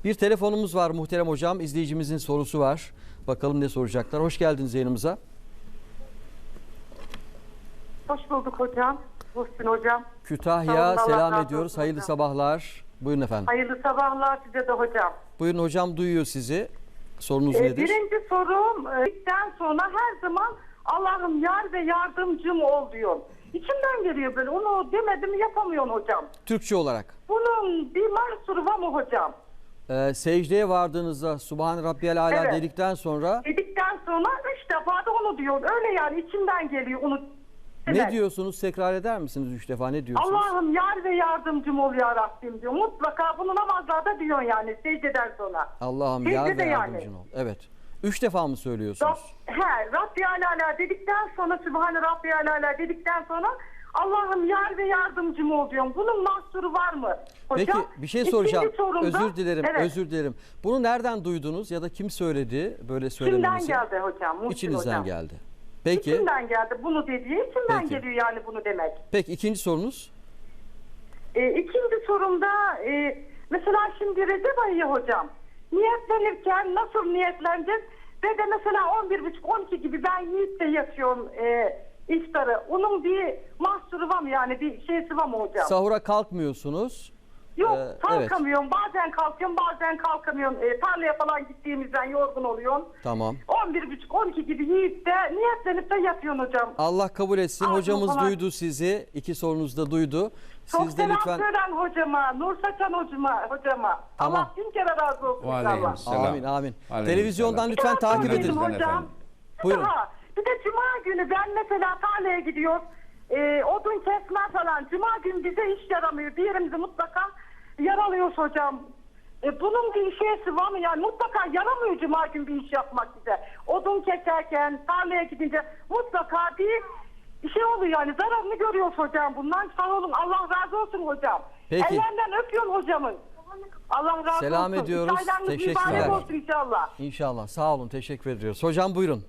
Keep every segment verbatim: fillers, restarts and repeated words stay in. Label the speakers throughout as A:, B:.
A: Bir telefonumuz var muhterem hocam. İzleyicimizin sorusu var. Bakalım ne soracaklar. Hoş geldiniz yayınımıza.
B: Hoş bulduk hocam. Muhsin hocam.
A: Kütahya
B: Sağ olun,
A: selam
B: Allah razı
A: ediyoruz.
B: olsun
A: Hayırlı
B: hocam.
A: sabahlar. Buyurun efendim.
B: Hayırlı sabahlar size de hocam.
A: Buyurun hocam, duyuyor sizi. Sorunuz
B: Ee,
A: nedir?
B: birinci sorum, e, ilkten sonra her zaman Allah'ım yar ve yardımcım ol diyor. İçimden geliyor böyle. Onu demedim yapamıyorum hocam.
A: Türkçe olarak.
B: Bunun bir mahsuru var mı hocam?
A: Ee, secdeye vardığınızda Subhan Rabbiyal Ala
B: Evet.
A: dedikten sonra
B: Dedikten sonra üç defa da onu diyor. Öyle yani içimden geliyor onu.
A: ne
B: demek.
A: diyorsunuz? Tekrar eder misiniz üç defa? Ne diyorsunuz?
B: Allah'ım yar ve yardımcım ol ya Rabbim diyor. Mutlaka bunu namazlarda diyor yani secdeden sonra.
A: Allah'ım yar
B: Secdede
A: ve
B: yani.
A: yardımcın ol. Evet. Üç defa mı söylüyorsunuz?
B: Rab, he, Rabbi Alala dedikten sonra Sübhane Rabbi Alala dedikten sonra Allah'ım yar ve yardımcım ol diyorum. Bunun mahsuru var mı hocam?
A: Peki bir şey soracağım.
B: İkinci sorumda-
A: Özür dilerim.
B: Evet.
A: Özür dilerim. Bunu nereden duydunuz ya da kim söyledi böyle
B: İçimden
A: söylemenizi?
B: geldi hocam. Muhsin
A: İçinizden
B: hocam.
A: geldi. Peki.
B: İçimden geldi bunu dediği. İçimden
A: Peki.
B: geliyor yani bunu demek.
A: Peki ikinci sorunuz?
B: Ee, ikinci sorumda e, mesela şimdi Recep ayı hocam. Niyetlenirken nasıl niyetleneceğiz? Ve de mesela on bir buçuk on iki gibi ben yiyip de yatıyorum e, iftarı. Onun bir mahsuru var mı yani bir şeysi var mı hocam?
A: Sahura kalkmıyorsunuz.
B: Yok
A: Ee,
B: kalkamıyorum. Bazen kalkıyorum bazen kalkamıyorum. E, tarlaya falan gittiğimizden yorgun oluyorum.
A: Tamam.
B: on bir buçuk on iki gibi yiyip de niyetlenip de yatıyorsun hocam.
A: Allah kabul etsin.
B: Ağzım
A: Hocamız
B: falan-
A: duydu sizi. İki sorunuzu da duydu.
B: Çok
A: Siz de
B: selam
A: lütfen...
B: söylen hocama. Nur Saçan hocama. hocama.
A: Tamam.
B: Allah bin kere razı olsun
C: Ve
B: inşallah.
C: aleykümselam.
A: Amin amin.
C: Aleykümselam.
A: Televizyondan lütfen
B: Daha
A: takip
B: sonra
A: edin.
B: dedim
C: Efendim.
B: hocam.
A: Buyurun.
B: Daha, bir de cuma günü ben mesela tarlaya gidiyor. E, odun kesme falan. Cuma günü bize iş yaramıyor. Bir yerimizi mutlaka yaralıyoruz hocam. E, bunun bir şeysi var mı? Yani mutlaka yaramıyor cuma günü bir iş yapmak bize. Odun keserken, tarlaya gidince mutlaka bir şey oluyor yani. Zararını görüyoruz hocam bundan. Sağ olun. Allah razı olsun hocam.
A: Peki.
B: Ellerinden öpüyorum hocamın. Allah razı
A: Selam
B: olsun.
A: ediyoruz.
B: İşleriniz
A: Teşekkürler.
B: mübarek olsun inşallah.
A: İnşallah. Sağ olun. Teşekkür ediyoruz. Hocam buyurun.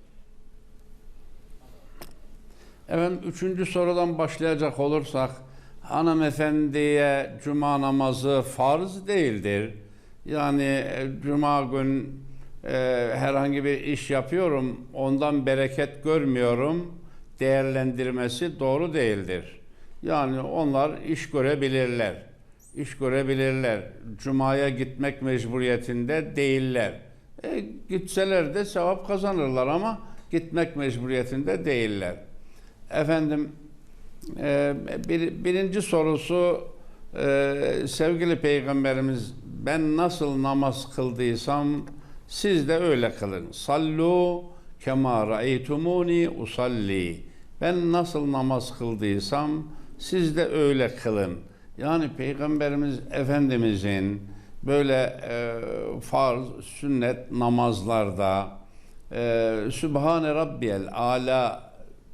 C: Efendim üçüncü sorudan başlayacak olursak hanımefendiye cuma namazı farz değildir. Yani e, cuma gün e, herhangi bir iş yapıyorum, ondan bereket görmüyorum değerlendirmesi doğru değildir. Yani onlar iş görebilirler. İş görebilirler. Cuma'ya gitmek mecburiyetinde değiller. E, gitseler de sevap kazanırlar ama gitmek mecburiyetinde değiller. Efendim e, bir, birinci sorusu e, sevgili Peygamberimiz ben nasıl namaz kıldıysam siz de öyle kılın. Sallu kema ra'eytumuni usalli. Ben nasıl namaz kıldıysam siz de öyle kılın. Yani Peygamberimiz Efendimizin böyle e, farz, sünnet namazlarda e, Sübhane Rabbiyel Ala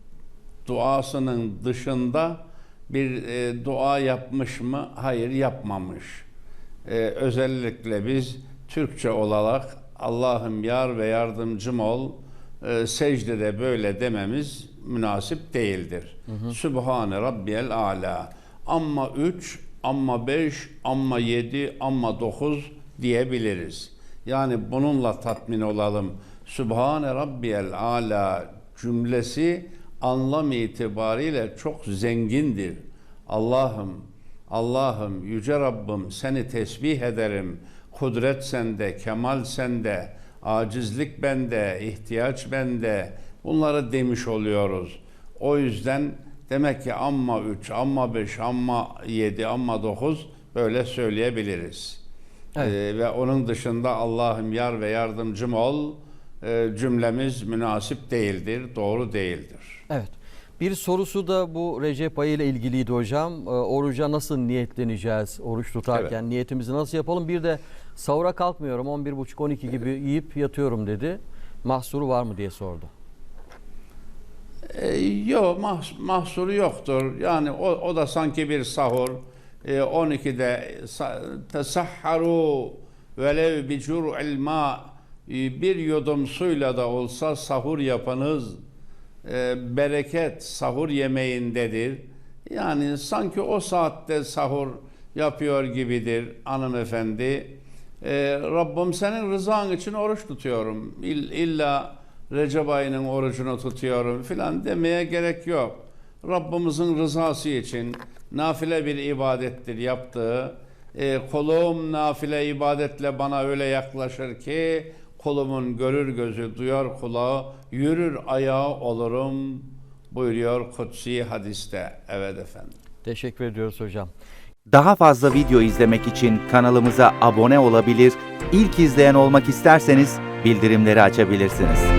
C: duasının dışında bir e, dua yapmış mı? Hayır, yapmamış. E, özellikle biz Türkçe olarak Allah'ım yar ve yardımcım ol e, secdede böyle dememiz münasip değildir. Hı hı. Sübhane Rabbiyel Ala. Amma üç, amma beş, amma yedi, amma dokuz diyebiliriz. Yani bununla tatmin olalım. Sübhane Rabbiyel Ala cümlesi anlam itibariyle çok zengindir. Allah'ım, Allah'ım, Yüce Rabbim seni tesbih ederim. Kudret sende, kemal sende, acizlik bende, ihtiyaç bende. Bunları demiş oluyoruz. O yüzden demek ki amma üç, amma beş, amma yedi, amma dokuz böyle söyleyebiliriz.
A: Evet.
C: Ee, ve onun dışında Allah'ım yar ve yardımcım ol e, cümlemiz münasip değildir, doğru değildir.
A: Evet. Bir sorusu da bu Recep ayı ile ilgiliydi hocam. Ee, oruca nasıl niyetleneceğiz? Oruç tutarken
C: Evet.
A: niyetimizi nasıl yapalım? Bir de sahura kalkmıyorum. on bir buçuk on iki gibi yiyip yatıyorum dedi. Mahsuru var mı diye sordu.
C: E, yok mah, mahsuru yoktur. Yani o, o da sanki bir sahur. E, on ikide tesahharu velev bi cur'il ma bir yudum suyla da olsa sahur yapınız. E, bereket sahur yemeğindedir. Yani sanki o saatte sahur yapıyor gibidir hanımefendi. e, Rabbim senin rızan için oruç tutuyorum. İll, illa Recep ayının orucunu tutuyorum filan demeye gerek yok. Rabbimizin rızası için nafile bir ibadettir yaptığı. E, kolum nafile ibadetle bana öyle yaklaşır ki kolumun görür gözü, duyar kulağı, yürür ayağı olurum buyuruyor kutsi hadiste. Evet efendim.
A: Teşekkür ediyoruz hocam.
D: Daha fazla video izlemek için kanalımıza abone olabilir, ilk izleyen olmak isterseniz bildirimleri açabilirsiniz.